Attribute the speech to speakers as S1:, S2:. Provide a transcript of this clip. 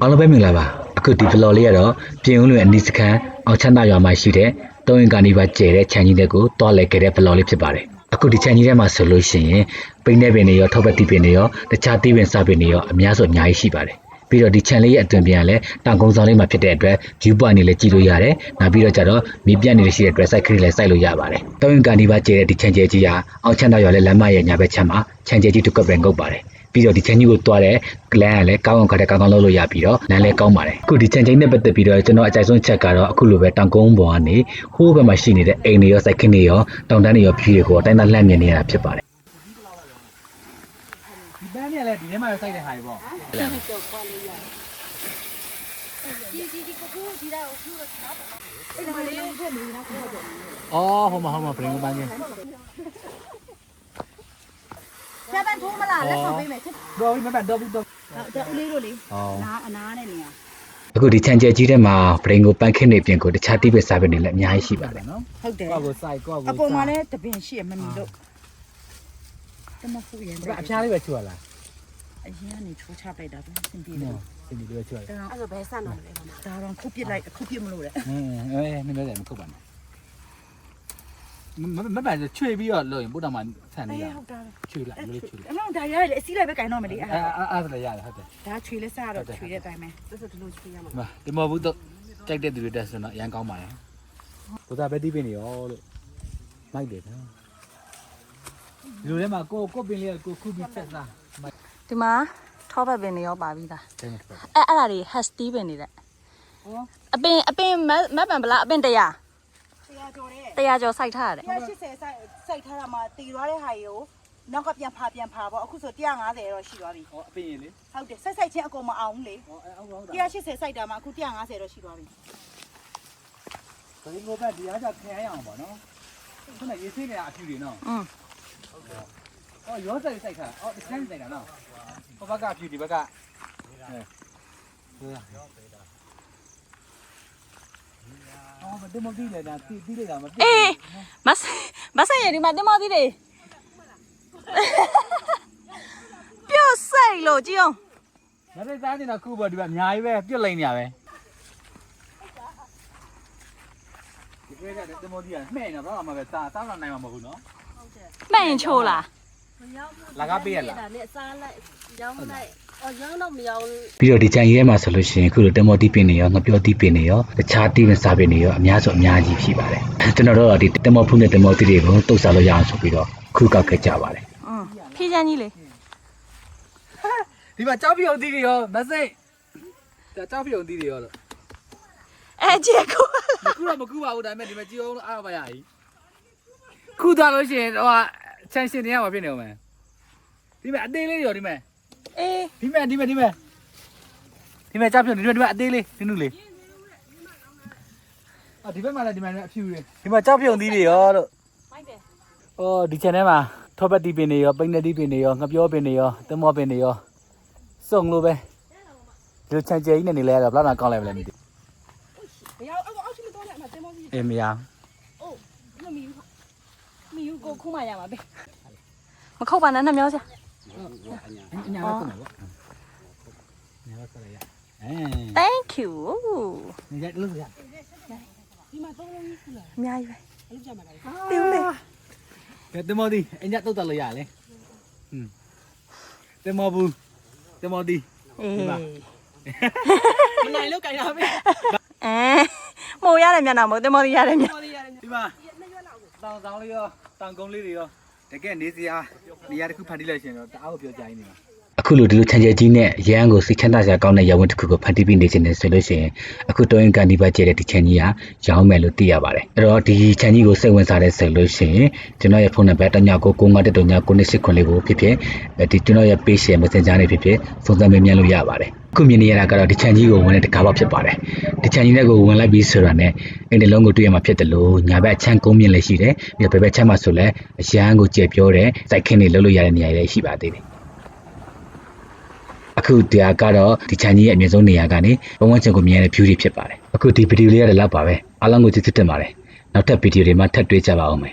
S1: အားလုံးပဲမင်္ဂလာပါအခုဒီ vlog လေးကတော့ပြင်ဦးလွင်အနီးစခန်းအောင်ချမ်းသာရွာမှာရှိတဲ့တုံးရင်ကာနီပါကျဲတဲ့ခြံကြီးတွေကိုတွားလဲခဲ့တဲ့ vlog လေးဖြစ်ပါတယ်အခုဒီခြံကြီးထဲမှာဆိုလို့ရှိရင်ပိန်းနေပင်တွေရောထောက်ပတ်တီပင်တွေရောတခြားတီးပင်စားပင်တွေရောအများစုအများကြီးရှိပါတယ်ပြီးတော့ဒီခြံလေးရဲ့အတွင်ပြန်လဲတောင်ကုန်းဆောင်လေးမှာဖြစ်တဲ့အတွက် view point နေလဲကြည့်လို့ရတယ်နောက်ပြီးတော့ကျတော့မြေပြတ်နေလို့ရှိတဲ့အတွက် site ခရီးလဲစိုက်လို့ရပါတယ်တုံးရင်ကာနီပါကျဲတဲ့ဒီခြံကျဲကြီးဟာအောင်ချမ်းသာရွာလဲလမ်းမရဲ့ညာဘက်ခြမ်းမှာခြံကျဲကြီးတစ်ကွက်ပဲငုပ်ပါတယ်ပြီးတော့ဒီချန်ကြီးကိုတွားတဲ့လမ်းကလည်းကောင်းအောင်ခက်တဲ့ကောင်းကောင်းလုပ်လို့ရပြီးတော့လမ်းလည်းကောင်းပါတယ်အခုဒီချန်ချင်းနဲ့ပတ်သက်ပြီးတော့ကျွန်တော်အကြိုက်ဆုံးချက်ကတော့အခုလိုပဲတောင်ကုန်းပေါ်ကနေဟိုးဘက်မှာရှိနေတဲ့အိမ်တွေရောစိုက်ခင်းတွေရောတောင်တန်းတွေရောဖြူတွေကိုအတိုင်းသားလှမ်းမြင်နေရတာဖြစ်ပါတယ်
S2: ဒီပန်းเนี่ยလည်းဒီထဲမှာစိုက်တဲ့ဟာတွေပေါ့အော်ဟိုမှာပရင်ပန်းချင်း
S3: ကျန်ထိုးမလားလက်ဆောင်ပေးမယ်ချစ်
S2: တော်ပြီမပတ်တော့ပြီတော့
S3: ဦးလေးတို့လေအနာနဲ့နေရ
S1: အခုဒီချန်ကျဲကြီးထဲမှာပရင်ကိုပန်းခင်းနေပြင်ကိုတခြားတိပစ်စားပင်တွေလည်းအများကြီးရှိပါတယ်နော်
S3: ဟုတ်တယ်
S2: ကိုယ့်ကိုစိုက်ကိုယ့်ကို
S3: အပေါ်မှာလည်းတပင်ရှိရမမီလို့တမဖူးရင်
S2: အဖျားလေးပဲချွတ်လာ
S3: အရင်ကနေချိုးချပလိုက်တာသူစင်ပြေတယ်
S2: စင်ပြေလေးပဲချွတ်လာ
S3: အဲ့ဆိုဘယ်ဆန်တော့လဲဒါတော့ခုပြစ်လိုက်ခုပြစ်မလို့လေ
S2: နည်းနည်းမခုတ်ပါနဲ့မပတ်ချွေပြီးတော့လို့ရင်ပို့တော်မှာဆန်နေရချွေလိုက်လေးချွေလိုက်
S3: အဲ့တော့ဒါရလေအစီးလိုက်ပဲကင်တော့မလေး
S2: အဲ့ဒါလည်းရတယ်ဟုတ်တယ်
S3: ဒါချွေလဲစားတော့ချွေတဲ့အတိုင်းပဲဆိုဒီလိုချွေရမှာ
S2: ဒီမဘူးတော့ကြိုက်တဲ့သူတွေတက်ဆိုတော့ရန်ကောင်းပါတယ်ကိုသားပဲတီးပင်နေရောလို့မိုက်တယ်နော်ဒီလိုထဲမှာကိုပင်လေးကိုခုပြီးချက်စား
S4: ဒီမှာထောပတ်ပင်တွေရောပါပြီးသားအဲ့ဒါတွေ has တီးပင်တွေတဲ့အပင်မတ်ပံပလားအပင်100ကျော်စိုက်ထားရတယ်
S3: 180စိုက်ထားတာမှာတီသွားတဲ့ဟာကြီးကိုနောက်ကပြန်ဖာပေါ့အခုဆို150တော့ရှိသွားပြီ
S2: ဟောအပင်ရေလေ
S3: ဟုတ်တယ်စိုက်ချင်းအကုန်မအောင်လေ180စိုက်တာမှာအခု150တော့ရှိသွားပြီ
S2: ဒါဒီကိုပဲဒီအားကြခံရအောင်ပါနော်ခုနရေဆေးနေအဖြူတွေနော်ဟုတ်ကဲ့အော်ရောစိုက်ခါအော်ဒီစမ်းစိုက်တာနော်ဟိုဘက်ကအဖြူဒီဘက်ကအော်မတင်မပြီးလေဒါတီးလိုက်တာမ
S4: အေးမဆိုင်ရဒီမှာတင်မသေးတယ်ပြုတ်စိတ်လို့ကြည့်အောင်
S2: မသိသားနေတာခုပေါ့ဒီမှာအများကြီးပဲပြုတ်လိုက်နေရပဲဒီကဲတင်မဒီကမှဲ့နေတော့မှပဲစားတော့နိုင်မှာမဟုတ်ဘူးနော်
S4: မှဲ့ရင်ချိုးလား
S2: လာကားပေးရလား
S3: ဒါနဲ့စားလိုက်ရောင်းလိုက်ရောင်းတော့မရောင်း
S1: ပြီးတော့ဒီချန်ကြီးထဲမှာဆိုလို့ရှိရင်အခုလိုတင်မော်တီးပင်တွေရောငပြောတီးပင်တွေရောတခြားတီးပင်စားပင်တွေရောအများဆုံးအများကြီးရှိပါတယ်ကျွန်တော်တို့ဒီတင်မော်ဖုနဲ့တင်မော်တီးတွေကိုတုတ်စားလို့ရအောင်ဆိုပြီးတော့ခုကောက်ခဲ့ကြပါတယ်
S4: ဖြည့်ချမ်းကြီးလေ
S2: ဒီမှာကြောက်ပြုံသီးတွေရောမစိတ်ဒါကြောက်ပြုံသီးတွေရောလို့
S4: ကျေကို
S2: မကူပါဘူးဒါပေမဲ့ဒီမှာကြည့်အောင်အားပါရည်ခုသွားလို့ရှိရင်ဟိုချန်ရှင်တွေရမှာဖြစ်နေအောင်မယ်ဒီမှာအသေးလေးရောဒီမှာဒီမှာကြောက်ပြုံဒီမှာအသေးလေးနုလေးဒီဘက်မှာလည်းဒီမှာအဖြူတွေဒီမှာကြောက်ပြုံသီးတွေရောလို့မိုက်တယ်အော်ဒီချန်ထဲမှာထောပတ်တီးပင်တွေရောပိန်းနေတီးပင်တွေရောငပြောပင်တွေရောတမောပင်တွေရောစုံလို့ပဲဒီလိုချန်ကျဲကြီးနဲ့နေလဲရတော့ဘလောက်ကောင်းလိုက်မလဲမသိဘူး
S3: မရအောင်အောက်ရှိမတော့နဲ့အမတင်မောကြီး
S2: အေးမရ
S3: အိုးမီယူကိုခုမှရမှာပဲ
S4: မခုတ်ပါနဲ့နှမျောစရာ
S2: အညာတော့ကုန်ပါဘောညာတော့ဆက်ရ
S4: Thank you
S2: နေရလို့ရ
S3: ဒီမှာ3လုံးကြီးခုလာ
S4: အများကြီးပဲ
S3: အလုပ်ကြမှာလေ
S4: ပြုံးလေ
S2: ကဲတမောဒီအညာတုတ်တက်လို့ရလေတမောဘူးတမောဒီ
S4: ဒီမှာ
S3: မနိုင်လို့ကြိုင်တာပဲ
S4: မိုးရတယ်မျက်နှာမိုးတင်မော်ဒီရတယ်မျက်
S2: ဒီမှာတောင်ဆောင်လေးရောတောင်ကုန်းလေးတွေရောတကယ်နေစရာနေရာတစ်ခုဖန်တီးလိုက်ရှင်တော့တအားကိုပြောကြိုင်းနေတာ
S1: အခုလိုဒီလိုချန်ကျဲကြီးနဲ့ရန်ကိုစိတ်ချမ်းသာစရာကောင်းတဲ့ရဝန်းတစ်ခုကိုဖန်တီးပြီးနေခြင်းနဲ့ဆိုလို့ရှိရင်အခုတုံးရင်ကန်ဒီပါကျဲတဲ့ဒီချန်ကြီးကရောင်းမယ်လို့သိရပါတယ်အဲ့တော့ဒီချန်ကြီးကိုစိတ်ဝင်စားတဲ့ဆိုလို့ရှိရင်ကျွန်တော်ရဲ့ဖုန်းနံပါတ်999 998လေးကိုဖြစ်ဖြစ်ဒီကျွန်တော်ရဲ့ page ရဲ့ messenger နဲ့ဖြစ်ဖြစ်စုံစမ်းမေးမြန်းလို့ရပါတယ်အခုမြင်နေရတာကတော့ဒီချန်ကြီးကိုဝင်တဲ့တကားပေါက်ဖြစ်ပါတယ်ဒီချန်ကြီးနဲ့ကိုဝင်လိုက်ပြီးဆိုတာနဲ့အိမ်တလုံးကိုတွေ့ရမှာဖြစ်တယ်လို့ညာဘက်အချမ်းကုန်းမြင့်လည်းရှိတယ်ပြီးတော့ဘယ်ဘက်ချမ်းမှာဆိုလဲအရန်ကိုကြဲပြောတဲ့စိုက်ခင်းတွေလှုပ်လို့ရတဲ့နေရာတွေရှိပါသေးတယ်အခုတရားကတော့ဒီချန်ကြီးရဲ့အမြင့်ဆုံးနေရာကနေဘဝန်းကျင်ကိုမြင်ရတဲ့ view တွေဖြစ်ပါတယ်အခုဒီဗီဒီယိုလေးရတဲ့လောက်ပါပဲအားလုံးကိုကျေးဇူးတင်ပါတယ်နောက်ထပ်ဗီဒီယိုတွေမှာထပ်တွေ့ကြပါဦးမယ်